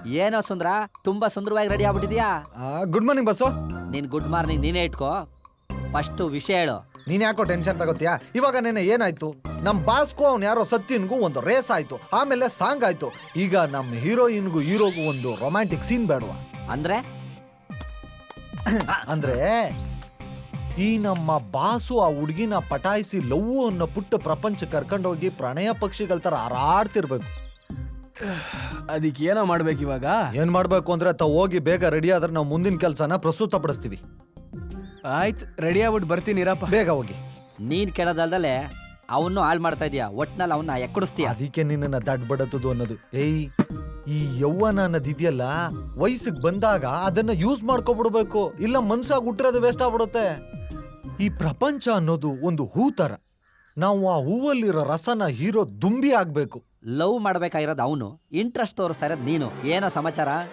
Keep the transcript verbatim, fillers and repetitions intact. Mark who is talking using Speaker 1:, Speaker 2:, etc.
Speaker 1: ಏನೋ ಸುಂದ್ರ ತುಂಬಾ ಸುಂದರವಾಗಿ ರೆಡಿ ಆಗ್ಬಿಟ್ಟಿದ್ಯಾ.
Speaker 2: Good morning bus.
Speaker 1: ನೀನ್ ಗುಡ್ ಮಾರ್ನಿಂಗ್ ನೀನೇ ಇಟ್ಕೋ. ಫಸ್ಟ್ ವಿಷಯ ಹೇಳು.
Speaker 2: ನೀನ್ ಯಾಕೋ ಟೆನ್ಷನ್ ತಗೋತೀಯಾ? ಇವಾಗ ನೆನೆ ಏನಾಯ್ತು, ನಮ್ ಬಾಸ್ಗೂ ಅವ್ನು ಯಾರೋ ಸತ್ಯನ್ಗೂ ಒಂದು ರೇಸ್ ಆಯ್ತು, ಆಮೇಲೆ ಸಾಂಗ್ ಆಯ್ತು. ಈಗ ನಮ್ ಹೀರೋಯಿನ್ಗೂ ಹೀರೋಗೂ ಒಂದು ರೊಮ್ಯಾಂಟಿಕ್ ಸೀನ್ ಬೇಡವಾ?
Speaker 1: ಅಂದ್ರೆ
Speaker 2: ಅಂದ್ರೆ ಈ ನಮ್ಮ ಬಾಸು ಆ ಹುಡುಗಿನ ಪಟಾಯಿಸಿ ಲವ್ ಅನ್ನೋ ಪುಟ್ಟ ಪ್ರಪಂಚ ಕರ್ಕೊಂಡೋಗಿ ಪ್ರಣಯ ಪಕ್ಷಿಗಳ ತರ ಹಾರಾಡ್ತಿರ್ಬೇಕು.
Speaker 3: ಅದಕ್ಕೆ ಏನೋ ಮಾಡ್ಬೇಕು ಇವಾಗ?
Speaker 2: ಏನ್ ಮಾಡ್ಬೇಕು ಅಂದ್ರೆ ತಾವ್ ಹೋಗಿ ಬೇಗ ರೆಡಿ ಆದ್ರೆ ನಾವು ಮುಂದಿನ ಕೆಲ್ಸನ ಪ್ರಸ್ತುತ ಪಡಿಸ್ತೀವಿ.
Speaker 3: ಆಯ್ತು, ರೆಡಿ ಆಗ್ಬಿಟ್ಟು ಬರ್ತೀನಿರಪ್ಪ.
Speaker 2: ಬೇಗ ಹೋಗಿ.
Speaker 1: ನೀನ್ ಕೆಳದಲ್ದಲೆ ಅವನು ಹಾಳು ಮಾಡ್ತಾ ಇದೀಯ. ಒಟ್ನಲ್ಲಿ ಅವನ್ನ ಎಕ್ಕಡಿಸ್ತೀಯ.
Speaker 2: ಅದಕ್ಕೆ ನಿನ್ನ ದಡ್ ಬಡತದು ಅನ್ನೋದು. ಏಯ್, ಈ ಯೌವನ ಅನ್ನೋದಿದೆಯಲ್ಲ, ವಯಸ್ಸಿಗೆ ಬಂದಾಗ ಅದನ್ನ ಯೂಸ್ ಮಾಡ್ಕೊಬಿಡ್ಬೇಕು, ಇಲ್ಲ ಮನ್ಸಾಗ ಹುಟ್ಟಿರೋದು ವೇಸ್ಟ್ ಆಗ್ಬಿಡುತ್ತೆ. ಈ ಪ್ರಪಂಚ ಅನ್ನೋದು ಒಂದು ಹೂ ತರ, ನಾವು ಆ ಹೂವಲ್ಲಿರೋ ರಸನ ಹೀರೋ ದುಂಬಿ ಆಗ್ಬೇಕು.
Speaker 1: ಲವ್ ಮಾಡ್ಬೇಕಾಗಿರೋದು ಅವನು, ಇಂಟ್ರೆಸ್ಟ್ ತೋರಿಸ್ತಾ ಇರೋದು ನೀನು. ಏನೋ ಸಮಾಚಾರ?